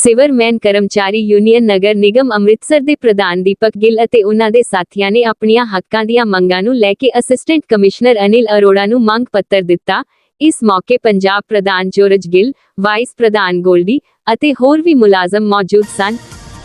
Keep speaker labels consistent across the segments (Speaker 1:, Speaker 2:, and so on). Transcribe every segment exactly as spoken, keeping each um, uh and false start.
Speaker 1: ਸਿਵਰਮੈਨ ਕਰਮਚਾਰੀ ਯੂਨੀਅਨ ਨਗਰ ਨਿਗਮ ਅੰਮ੍ਰਿਤਸਰ ਦੇ ਪ੍ਰਧਾਨ ਦੀਪਕ ਗਿੱਲ ਅਤੇ ਉਨ੍ਹਾਂ ਦੇ ਸਾਥੀਆਂ ਨੇ ਆਪਣੀਆਂ ਹੱਕਾਂ ਦੀਆਂ ਮੰਗਾਂ ਨੂੰ ਲੈ ਕੇ ਅਸਿਸਟੈਂਟ ਕਮਿਸ਼ਨਰ ਅਨਿਲ ਅਰੋੜਾ ਨੂੰ ਮੰਗ ਪੱਤਰ ਦਿੱਤਾ। ਇਸ ਮੌਕੇ ਪੰਜਾਬ ਪ੍ਰਧਾਨ ਜੋਰਜ ਗਿੱਲ, ਵਾਈਸ ਪ੍ਰਧਾਨ ਗੋਲਡੀ ਅਤੇ ਹੋਰ ਵੀ ਮੁਲਾਜ਼ਮ ਮੌਜੂਦ ਸਨ।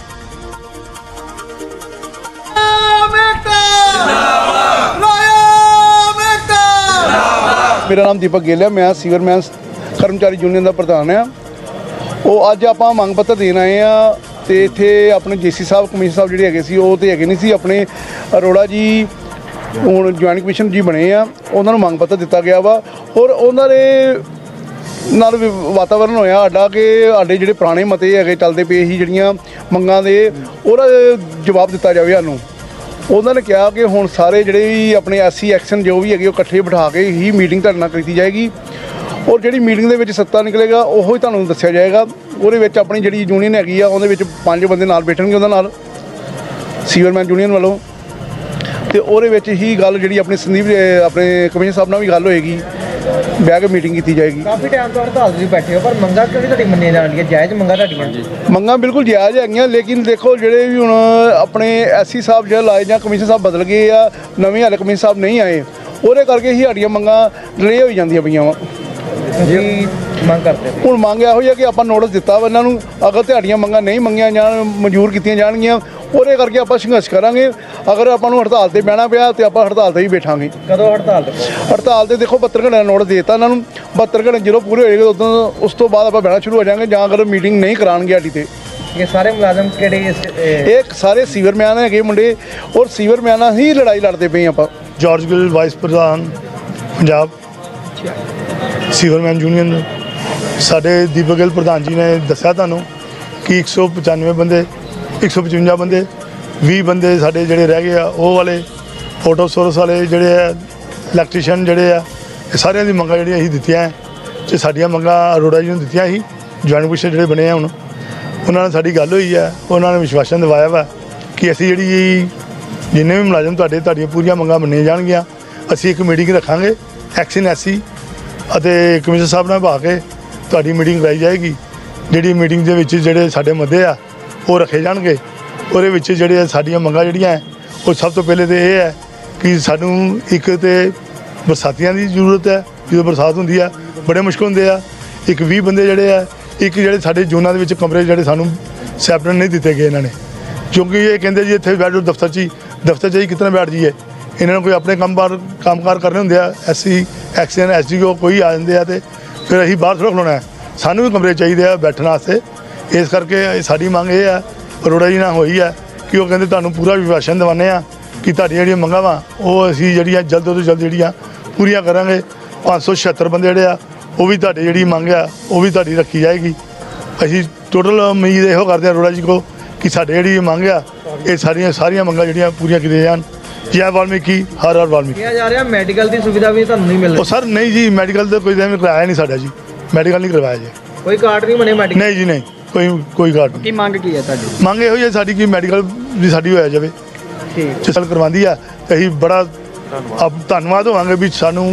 Speaker 2: मेरा नाम दीपक गिल है, मैं सीवरमैन कर्मचारी यूनियन का प्रधान हाँ। वो अज आप मंग पत्र देन आए हैं तो इतने अपने जे सी साहब कमिश्नर साहब जोड़े है वो तो है नहीं सी, अपने अरोड़ा जी हूँ ज्वाइंट कमिश्नर जी बने आ, उन्होंने मंग पत्र दिता गया वा और उन्होंने नाल वातावरण होया साडा कि साडे जिहड़े पुराने मते है चलते पे ही जिहड़ियां मंगां दे ओहदा जवाब दिता जाए। सानूं उन्होंने कहा कि हुण सारे जिहड़े भी अपने एस सी एक्शन जो भी है इकट्ठे बिठा के ही मीटिंग तुहाडे नाल की जाएगी और जिहड़ी मीटिंग दे विच सत्ता निकलेगा ओहो ही तुहानूं दस्सिया जाएगा। ਉਹਦੇ ਵਿੱਚ ਆਪਣੀ ਜਿਹੜੀ ਯੂਨੀਅਨ ਹੈਗੀ ਆ ਉਹਦੇ ਵਿੱਚ ਪੰਜ ਬੰਦੇ ਨਾਲ ਬੈਠਣਗੇ ਉਹਨਾਂ ਨਾਲ ਸੀਵਰਮੈਨ ਯੂਨੀਅਨ ਵੱਲੋਂ ਤੇ ਉਹਦੇ ਵਿੱਚ ਹੀ ਗੱਲ ਜਿਹੜੀ ਆਪਣੀ ਸੰਦੀਪ ਆਪਣੇ ਕਮਿਸ਼ਨਰ ਸਾਹਿਬ ਨਾਲ ਵੀ ਗੱਲ ਹੋਏਗੀ, ਬਹਿ ਕੇ ਮੀਟਿੰਗ ਕੀਤੀ ਜਾਏਗੀ।
Speaker 3: ਕਾਫੀ ਟਾਈਮ ਤੋਂ ਹੜਤਾਲ ਤੁਸੀਂ ਬੈਠੇ ਹੋ ਪਰ ਮੰਗਾਂ ਕਿਉਂ ਨਹੀਂ ਤੁਹਾਡੀ ਮੰਨੀਆਂ ਜਾਂਦੀਆਂ? ਜਾਇਜ਼ ਮੰਗਾਂ ਤੁਹਾਡੀਆਂ?
Speaker 2: ਮੰਗਾਂ ਬਿਲਕੁਲ ਜਾਇਜ਼ ਹੈਗੀਆਂ, ਲੇਕਿਨ ਦੇਖੋ ਜਿਹੜੇ ਵੀ ਹੁਣ ਆਪਣੇ ਐਸਸੀ ਸਾਹਿਬ ਜਿਹੜੇ ਲਾਏ ਜਾਂ ਕਮਿਸ਼ਨਰ ਸਾਹਿਬ ਬਦਲ ਗਏ ਆ, ਨਵੇਂ ਹਾਲੇ ਕਮਿਸ਼ਨਰ ਸਾਹਿਬ ਨਹੀਂ ਆਏ, ਉਹਦੇ ਕਰਕੇ ਹੀ ਸਾਡੀਆਂ ਮੰਗਾਂ ਡਿਲੇ ਹੋਈ ਜਾਂਦੀਆਂ ਪਈਆਂ ਵਾ।
Speaker 3: ਜੀ ਮੰਗ ਕਰਦੇ
Speaker 2: ਹੁਣ ਮੰਗ ਇਹੋ ਹੀ ਹੈ ਕਿ ਆਪਾਂ ਨੋਟਿਸ ਦਿੱਤਾ ਵਾ ਇਹਨਾਂ ਨੂੰ, ਅਗਰ ਤੁਹਾਡੀਆਂ ਮੰਗਾਂ ਨਹੀਂ ਮੰਗੀਆਂ ਜਾਣ ਮਨਜ਼ੂਰ ਕੀਤੀਆਂ ਜਾਣਗੀਆਂ ਉਹਦੇ ਕਰਕੇ ਆਪਾਂ ਸੰਘਰਸ਼ ਕਰਾਂਗੇ। ਅਗਰ ਆਪਾਂ ਨੂੰ ਹੜਤਾਲ ਤੇ ਬਹਿਣਾ ਪਿਆ ਤੇ ਆਪਾਂ ਹੜਤਾਲ ਤੇ ਹੀ ਬੈਠਾਂਗੇ।
Speaker 3: ਕਦੋਂ ਹੜਤਾਲ ਤੇ?
Speaker 2: ਹੜਤਾਲ ਤੇ ਦੇਖੋ ਬਹੱਤਰ ਘੰਟੇ ਦਾ ਨੋਟਿਸ ਦੇ ਦਿੱਤਾ ਇਹਨਾਂ ਨੂੰ, ਬਹੱਤਰ ਘੰਟੇ ਜਦੋਂ ਪੂਰੇ ਹੋਏਗੇ ਉਦੋਂ ਉਸ ਤੋਂ ਬਾਅਦ ਆਪਾਂ ਬਹਿਣਾ ਸ਼ੁਰੂ ਹੋ ਜਾਵਾਂਗੇ, ਜਾਂ ਅਗਰ ਮੀਟਿੰਗ ਨਹੀਂ ਕਰਾਉਣਗੇ ਸਾਡੀ ਤੇ।
Speaker 3: ਇਹ ਸਾਰੇ ਮੁਲਾਜ਼ਮ ਕਿਹੜੇ?
Speaker 2: ਇਹ ਸਾਰੇ ਸੀਵਰਮੈਨ ਹੈਗੇ ਮੁੰਡੇ ਔਰ ਸੀਵਰਮੈਨਾਂ ਹੀ ਲੜਾਈ ਲੜਦੇ ਪਏ ਆਪਾਂ।
Speaker 4: ਜੋਰਜ ਗਿੱਲ ਵਾਈਸ ਪ੍ਰਧਾਨ ਪੰਜਾਬ ਸੀਵਰਮੈਨ ਯੂਨੀਅਨ। ਸਾਡੇ ਦੀਪਕ ਗਿੱਲ ਪ੍ਰਧਾਨ ਜੀ ਨੇ ਦੱਸਿਆ ਤੁਹਾਨੂੰ ਕਿ ਇੱਕ ਸੌ ਪਚਾਨਵੇਂ ਬੰਦੇ ਇੱਕ ਸੌ ਪਚਵੰਜਾ ਬੰਦੇ ਵੀਹ ਬੰਦੇ ਸਾਡੇ ਜਿਹੜੇ ਰਹਿ ਗਏ ਆ ਉਹ ਵਾਲੇ ਫੋਟੋ ਸੋਰਸ ਵਾਲੇ ਜਿਹੜੇ ਆ ਇਲੈਕਟ੍ਰੀਸ਼ੀਅਨ ਜਿਹੜੇ ਆ ਇਹ ਸਾਰਿਆਂ ਦੀ ਮੰਗਾਂ ਜਿਹੜੀਆਂ ਅਸੀਂ ਦਿੱਤੀਆਂ ਅਤੇ ਸਾਡੀਆਂ ਮੰਗਾਂ ਅਰੋੜਾ ਜੀ ਨੂੰ ਦਿੱਤੀਆਂ ਸੀ। ਜੁਆਇੰਟ ਕਮਿਸ਼ਨਰ ਜਿਹੜੇ ਬਣੇ ਆ ਹੁਣ ਉਹਨਾਂ ਨਾਲ ਸਾਡੀ ਗੱਲ ਹੋਈ ਹੈ, ਉਹਨਾਂ ਨੇ ਵਿਸ਼ਵਾਸਨ ਦਿਵਾਇਆ ਵਾ ਕਿ ਅਸੀਂ ਜਿਹੜੀ ਜਿੰਨੇ ਵੀ ਮੁਲਾਜ਼ਮ ਤੁਹਾਡੇ ਤੁਹਾਡੀਆਂ ਪੂਰੀਆਂ ਮੰਗਾਂ ਮੰਨੀਆਂ ਜਾਣਗੀਆਂ। ਅਸੀਂ ਇੱਕ ਮੀਟਿੰਗ ਰੱਖਾਂਗੇ ਐਕਸ਼ਨ ਐਸੀ ਅਤੇ ਕਮਿਸ਼ਨਰ ਸਾਹਿਬ ਨਾਲ ਬਾ ਕੇ ਤੁਹਾਡੀ ਮੀਟਿੰਗ ਕਰਾਈ ਜਾਏਗੀ। ਜਿਹੜੀ ਮੀਟਿੰਗ ਦੇ ਵਿੱਚ ਜਿਹੜੇ ਸਾਡੇ ਮੁੱਦੇ ਆ ਉਹ ਰੱਖੇ ਜਾਣਗੇ। ਉਹਦੇ ਵਿੱਚ ਜਿਹੜੇ ਸਾਡੀਆਂ ਮੰਗਾਂ ਜਿਹੜੀਆਂ ਉਹ ਸਭ ਤੋਂ ਪਹਿਲੇ ਤਾਂ ਇਹ ਹੈ ਕਿ ਸਾਨੂੰ ਇੱਕ ਤਾਂ ਬਰਸਾਤੀਆਂ ਦੀ ਜ਼ਰੂਰਤ ਹੈ, ਜਦੋਂ ਬਰਸਾਤ ਹੁੰਦੀ ਆ ਬੜੇ ਮੁਸ਼ਕਲ ਹੁੰਦੇ ਆ। ਇੱਕ ਵੀਹ ਬੰਦੇ ਜਿਹੜੇ ਆ, ਇੱਕ ਜਿਹੜੇ ਸਾਡੇ ਜ਼ੋਨਾਂ ਦੇ ਵਿੱਚ ਕਮਰੇ ਜਿਹੜੇ ਸਾਨੂੰ ਸੈਪਰੇਟ ਨਹੀਂ ਦਿੱਤੇ ਗਏ ਇਹਨਾਂ ਨੇ, ਕਿਉਂਕਿ ਇਹ ਕਹਿੰਦੇ ਜੀ ਇੱਥੇ ਬੈਠੋ ਦਫ਼ਤਰ 'ਚ ਹੀ ਦਫ਼ਤਰ 'ਚ ਹੀ ਕਿਤਨਾ ਬੈਠ ਜਾਈਏ। ਇਹਨਾਂ ਨੂੰ ਕੋਈ ਆਪਣੇ ਕੰਮਕਾਰ ਕੰਮਕਾਰ ਕਰਨੇ ਹੁੰਦੇ ਆ, S C action S D O ਕੋਈ ਆ ਜਾਂਦੇ ਆ ਅਤੇ ਫਿਰ ਅਸੀਂ ਬਾਹਰ ਥੋੜ੍ਹਾ ਖਲੋਣਾ, ਸਾਨੂੰ ਵੀ ਕਮਰੇ ਚਾਹੀਦੇ ਆ ਬੈਠਣ ਵਾਸਤੇ। ਇਸ ਕਰਕੇ ਸਾਡੀ ਮੰਗ ਇਹ ਆ ਅਰੋੜਾ ਜੀ ਨਾਲ ਹੋਈ ਹੈ ਕਿ ਉਹ ਕਹਿੰਦੇ ਤੁਹਾਨੂੰ ਪੂਰਾ ਵਿਸ਼ਵਾਸਨ ਦਿਵਾਉਂਦੇ ਆ ਕਿ ਤੁਹਾਡੀਆਂ ਜਿਹੜੀਆਂ ਮੰਗਾਂ ਵਾ ਉਹ ਅਸੀਂ ਜਿਹੜੀਆਂ ਜਲਦ ਤੋਂ ਜਲਦ ਜਿਹੜੀਆਂ ਪੂਰੀਆਂ ਕਰਾਂਗੇ। ਪੰਜ ਸੌ ਛਿਹੱਤਰ ਬੰਦੇ ਜਿਹੜੇ ਆ ਉਹ ਵੀ ਤੁਹਾਡੀ ਜਿਹੜੀ ਮੰਗ ਆ ਉਹ ਵੀ ਤੁਹਾਡੀ ਰੱਖੀ ਜਾਏਗੀ। ਅਸੀਂ ਟੋਟਲ ਉਮੀਦ ਇਹੋ ਕਰਦੇ ਹਾਂ ਅਰੋੜਾ ਜੀ ਕੋ ਕਿ ਸਾਡੇ ਜਿਹੜੀ ਮੰਗ ਆ ਇਹ ਸਾਰੀਆਂ ਸਾਰੀਆਂ ਮੰਗਾਂ ਜਿਹੜੀਆਂ ਪੂਰੀਆਂ ਕੀਤੀਆਂ ਜਾਣ। ਜੈ ਵਾਲਮੀਕੀ, ਹਰ ਹਰ ਵਾਲਮੀਕੀ।
Speaker 3: ਕਿਹਾ ਜਾ ਰਿਹਾ ਮੈਡੀਕਲ ਦੀ ਸੁਵਿਧਾ ਵੀ ਤੁਹਾਨੂੰ ਨਹੀਂ ਮਿਲ ਰਹੀ?
Speaker 4: ਉਹ ਸਰ ਨਹੀਂ ਜੀ, ਮੈਡੀਕਲ ਤਾਂ ਕੋਈ ਐਵੇਂ ਕਰਵਾਇਆ ਨਹੀਂ ਸਾਡਾ ਜੀ, ਮੈਡੀਕਲ ਨਹੀਂ ਕਰਵਾਇਆ ਜੀ।
Speaker 3: ਕੋਈ ਕਾਰਡ ਨਹੀਂ ਬਣੇ ਮੈਡੀਕਲ?
Speaker 4: ਨਹੀਂ ਜੀ ਨਹੀਂ, ਕੋਈ ਕੋਈ ਕਾਰਡ ਨਹੀਂ।
Speaker 3: ਕੀ ਮੰਗ ਕੀ ਹੈ ਤੁਹਾਡੀ?
Speaker 4: ਮੰਗ ਇਹੋ ਹੀ ਹੈ ਸਾਡੀ ਕਿ ਮੈਡੀਕਲ ਵੀ ਸਾਡੀ ਹੋਇਆ ਜਾਵੇ।
Speaker 3: ਠੀਕ
Speaker 4: ਚਲ ਕਰਵਾਉਂਦੀ ਆ ਤੇ ਅਸੀਂ ਬੜਾ ਆਪ ਧੰਨਵਾਦ ਹੋਵਾਂਗੇ ਵੀ ਸਾਨੂੰ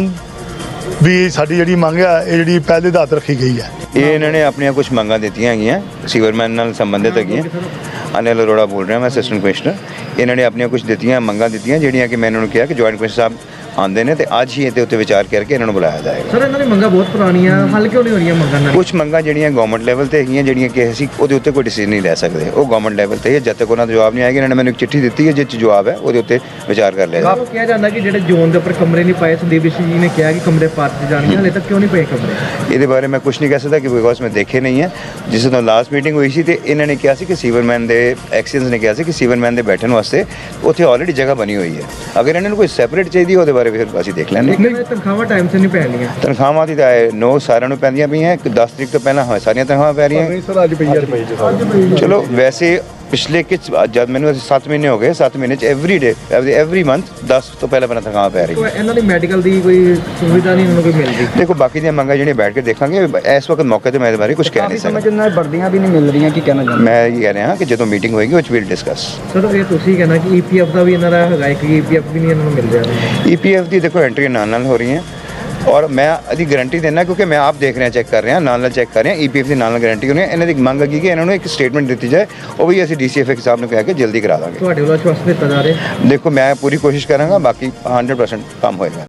Speaker 4: ਵੀ ਸਾਡੀ ਜਿਹੜੀ ਮੰਗ ਆ ਇਹ ਜਿਹੜੀ ਪਹਿਲੇ ਦਾਤ ਰੱਖੀ ਗਈ ਹੈ।
Speaker 5: ਇਹ ਇਹਨਾਂ ਨੇ ਆਪਣੀਆਂ ਕੁਝ ਮੰਗਾਂ ਦਿੱਤੀਆਂ ਹੈਗੀਆਂ ਸੀਵਰਮੈਨ ਨਾਲ ਸੰਬੰਧਿਤ ਹੈਗੀਆਂ। ਅਨਿਲ ਅਰੋੜਾ ਬੋਲ ਰਿਹਾ, ਮੈਂ ਅਸਿਸਟੈਂਟ ਕਮਿਸ਼ਨਰ। ਇਹਨਾਂ ਨੇ ਆਪਣੀਆਂ ਕੁਝ ਦਿੱਤੀਆਂ ਮੰਗਾਂ ਦਿੱਤੀਆਂ ਜਿਹੜੀਆਂ ਕਿ ਮੈਂ ਇਹਨਾਂ ਨੂੰ ਕਿਹਾ ਕਿ ਜੁਆਇੰਟ ਕਮਿਸ਼ਨਰ ਸਾਹਿਬ ਆਉਂਦੇ ਨੇ ਤੇ ਅੱਜ ਹੀ ਇਹਦੇ ਉੱਤੇ ਵਿਚਾਰ ਕਰਕੇ ਇਹਨਾਂ ਨੂੰ ਬੁਲਾਇਆ ਜਾਏਗਾ।
Speaker 3: ਸਰ ਇਹਨਾਂ ਦੀ ਮੰਗਾਂ ਬਹੁਤ ਪੁਰਾਣੀਆਂ, ਹੱਲ ਕਿਉਂ ਨਹੀਂ ਹੋ ਰਹੀਆਂ ਮੰਗਾਂ ਨਾਲ?
Speaker 5: ਕੁਝ ਮੰਗਾਂ ਜਿਹੜੀਆਂ ਗਵਰਨਮੈਂਟ ਲੈਵਲ ਤੇ ਹੈਗੀਆਂ ਜਿਹੜੀਆਂ ਕਿ ਅਸੀਂ ਉਹਦੇ ਉੱਤੇ ਕੋਈ ਡਿਸੀਜਨ ਨਹੀਂ ਲੈ ਸਕਦੇ, ਉਹ ਗਵਰਨਮੈਂਟ ਲੈਵਲ ਤੇ ਹੈ। ਜਦ ਤੱਕ ਉਹਨਾਂ ਦਾ ਜਵਾਬ ਨਹੀਂ ਆਏਗਾ, ਇਹਨਾਂ ਨੇ ਮੈਨੂੰ ਇੱਕ ਚਿੱਠੀ ਦਿੱਤੀ ਹੈ ਜਿਸ 'ਚ ਜਵਾਬ ਹੈ ਉਹਦੇ ਉੱਤੇ ਵਿਚਾਰ ਕਰ ਲਿਆ ਜਾਏਗਾ।
Speaker 3: ਕਿਹਾ ਜਾਂਦਾ ਕਿ ਜਿਹੜੇ ਜ਼ੋਨ ਦੇ ਉੱਪਰ ਕਮਰੇ ਨਹੀਂ ਪਾਏ, ਸੰਦੀਪ ਜੀ ਨੇ ਕਿਹਾ ਕਿ ਕਮਰੇ ਪਾਰਟ ਜਾਣਗੇ, ਹਾਲੇ ਤੱਕ ਕਿਉਂ ਨਹੀਂ ਪਏ ਕਮਰੇ?
Speaker 5: ਇਹਦੇ ਬਾਰੇ ਮੈਂ ਕੁਝ ਨਹੀਂ ਕਹਿ ਸਕਦਾ ਕਿ ਬਿਕੋਜ਼ ਮੈਂ ਦੇਖੇ ਨਹੀਂ ਹੈ। ਜਿਸ ਤੋਂ ਲਾਸਟ ਮੀਟਿੰਗ ਹੋਈ ਸੀ ਤੇ ਇਹਨਾਂ ਨੇ ਕਿਹਾ ਸੀ ਕਿ ਸੀਵਰਮੈਨ ਦੇ ਐਕਸੀਅਨਸ ਨੇ ਕਿਹਾ ਸੀ ਕਿ ਸੀਵਰਮੈਨ ਦੇ ਬੈਠਣ ਵਾਸਤੇ ਉੱਥੇ ਆਲਰੇਡੀ ਜਗ੍ਹਾ ਬਣੀ ਹੋਈ ਹੈ। ਅਗਰ ਇਹਨਾਂ ਨੂੰ ਕੋਈ ਸੈਪਰੇਟ ਚਾਹੀਦੀ ਉਹਦੇ ਬਾਰੇ ਫਿਰ ਅਸੀਂ ਦੇਖ ਲੈਂਦੇ।
Speaker 3: ਤਨਖਾਹਾਂ ਟਾਈਮ ਸਿਰ ਨਹੀਂ ਪੈਣੀਆਂ?
Speaker 5: ਤਨਖਾਹਾਂ ਦੀ ਤਾਂ ਨੋ ਸਾਰਿਆਂ ਨੂੰ ਪੈਂਦੀਆਂ ਪਈਆਂ, ਦਸ ਤਰੀਕ ਤੋਂ ਪਹਿਲਾਂ ਸਾਰੀਆਂ ਤਨਖਾਹਾਂ ਪੈ ਰਹੀਆਂ।
Speaker 2: ਸਰ ਅੱਜ ਪਈ
Speaker 5: ਚਲੋ ਵੈਸੇ ਪਿਛਲੇ ਕਿ ਜਦ ਮੈਨੂੰ ਸੱਤ ਮਹੀਨੇ ਹੋ ਗਏ, ਸੱਤ ਮਹੀਨੇ 'ਚ ਐਵਰੀ ਡੇ ਐਵਰੀ ਮੰਥ ਦਸ ਤੋਂ ਪਹਿਲਾਂ ਪਹਿਲਾਂ ਤਨਖਾਹਾਂ ਪੈ ਰਹੀ।
Speaker 3: ਇਹਨਾਂ ਦੀ ਮੈਡੀਕਲ ਦੀ ਕੋਈ ਸੁਵਿਧਾ ਨਹੀਂ ਇਹਨਾਂ ਨੂੰ ਕੋਈ ਮਿਲਦੀ?
Speaker 5: ਦੇਖੋ ਬਾਕੀ ਦੀਆਂ ਮੰਗਾਂ ਜਿਹੜੀਆਂ ਬੈਠ ਕੇ ਦੇਖਾਂਗੇ, ਇਸ ਵਕਤ ਮੌਕੇ ਤੇ ਮੈਂ ਇਹਦੇ ਬਾਰੇ ਕੁਝ ਕਹਿ ਨਹੀਂ ਸਕਦਾ।
Speaker 3: ਜਿੰਨਾ ਵਰਦੀਆਂ ਵੀ ਨਹੀਂ ਮਿਲ ਰਹੀਆਂ, ਕੀ ਕਹਿਣਾ ਚਾਹੁੰਦੇ?
Speaker 5: ਮੈਂ ਇਹ ਕਹਿ ਰਿਹਾ ਕਿ ਜਦੋਂ ਮੀਟਿੰਗ ਹੋਏਗੀ ਉਹ 'ਚ ਵਿਲ ਡਿਸਕਸ।
Speaker 3: ਸਰ ਇਹ ਤੁਸੀਂ ਕਹਿਣਾ ਕਿ ਈ ਪੀ ਐਫ ਦਾ ਵੀ ਇਹਨਾਂ ਦਾ ਹੈਗਾ, ਇੱਕ ਈ ਪੀ ਐਫ ਵੀ ਨਹੀਂ ਇਹਨਾਂ ਨੂੰ ਮਿਲ ਰਿਹਾ?
Speaker 5: ਈ ਪੀ ਐਫ ਦੀ ਦੇਖੋ ਐਂਟਰੀ ਨਾਲ ਨਾਲ ਹੋ ਰਹੀਆਂ ਔਰ ਮੈਂ ਇਹਦੀ ਗਾਰੰਟੀ ਦਿੰਦਾ ਕਿਉਂਕਿ ਮੈਂ ਆਪ ਦੇਖ ਰਿਹਾ ਚੈੱਕ ਕਰ ਰਿਹਾ ਨਾਲ ਨਾਲ ਚੈੱਕ ਕਰ ਰਿਹਾ ਈਪੀਐਫ ਦੇ ਨਾਲ ਨਾਲ ਗਾਰੰਟੀ ਹੋਣੀ ਹੈ। ਇਹਨਾਂ ਦੀ ਮੰਗ ਹੈਗੀ ਕਿ ਇਹਨਾਂ ਨੂੰ ਇੱਕ ਸਟੇਟਮੈਂਟ ਦਿੱਤੀ ਜਾਏ, ਉਹ ਵੀ ਅਸੀਂ ਡੀਸੀਐਫ ਸਾਹਿਬ ਨੂੰ ਕਹਿ ਕੇ ਜਲਦੀ ਕਰਾ ਦਾਂਗੇ।
Speaker 3: ਤੁਹਾਡੇ ਵੱਲੋਂ ਆਸ਼ਵਾਸਨ ਦਿੱਤਾ ਜਾ ਰਿਹਾ?
Speaker 5: ਦੇਖੋ ਮੈਂ ਪੂਰੀ ਕੋਸ਼ਿਸ਼ ਕਰਾਂਗਾ, ਬਾਕੀ ਹੰਡਰਡ ਪਰਸੈਂਟ ਕੰਮ ਹੋਏਗਾ।